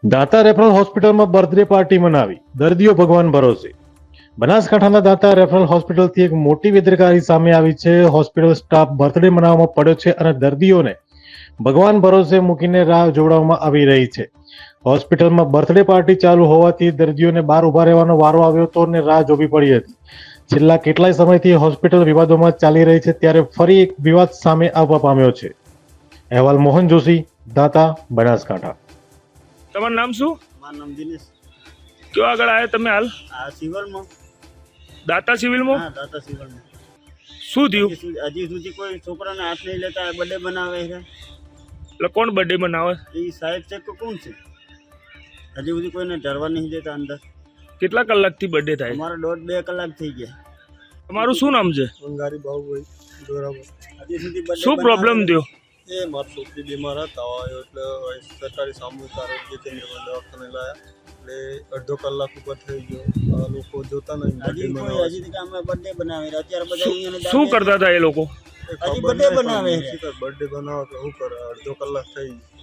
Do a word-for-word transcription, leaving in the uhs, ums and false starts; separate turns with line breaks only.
દાતા referral હોસ્પિટલમાં birthday party મનાવી, દર્દીઓ ભગવાન ભરોસે. બનાસકાંઠાના દાતા રેફરલ હોસ્પિટલથી એક મોટી બેદરકારી સામે આવી છે. હોસ્પિટલ સ્ટાફ બર્થડે મનાવવામાં પડ્યો છે અને દર્દીઓને ભગવાન ભરોસે મૂકીને રાહ જોવડાવવામાં આવી રહી છે. હોસ્પિટલમાં બર્થડે પાર્ટી ચાલુ હોવાથી દર્દીઓને બહાર ઉભા રહેવાનો વારો આવ્યો હતો અને રાહ જોવી પડી હતી. છેલ્લા કેટલાય સમયથી હોસ્પિટલ વિવાદોમાં ચાલી રહી છે, ત્યારે ફરી એક વિવાદ સામે આવવા પામ્યો છે. અહેવાલ મોહન જોશી, દાતા, બનાસકાંઠા.
તમારું નામ શું?
મારું નામ દિનેશ.
કયો આગળ આવ્યા તમે હાલ?
આ સિવિલમાં.
દાતા સિવિલમાં?
હા, દાતા સિવિલમાં.
શું થયું?
હજી સુધી હજી સુધી કોઈ છોકરાને હાથ નહીં લેતા બર્થડે બનાવે છે.
એટલે કોણ બર્થડે બનાવે?
એ સાહેબ છે કે કોણ છે? હજી સુધી કોઈને ડરવા નહીં દેતા અંદર.
કેટલા કલાકથી બર્થડે થાય?
અમારા દોઢ બે કલાક થઈ ગયા.
તમારું શું નામ છે?
અંગારી બાહુભાઈ બરાબર. હજી સુધી birthday
શું પ્રોબ્લેમ થયો?
એ મારી છોકરી બીમાર હતા હોય એટલે સરકારી સામૂહિક આરોગ્ય કેન્દ્રમાં દવાખાને લાયા એટલે અડધો કલાક ઉપર થઈ ગયો. આ લોકો જોતા નહીં. હજી કોઈ હજી સુધી અમે બર્થડે બનાવે અત્યારે બધા અહીંયા
શું કરતા હતા એ લોકો?
હજી બર્થડે બનાવે છે. બર્થડે બનાવો તો શું કરે? અડધો કલાક થઈ ગયો.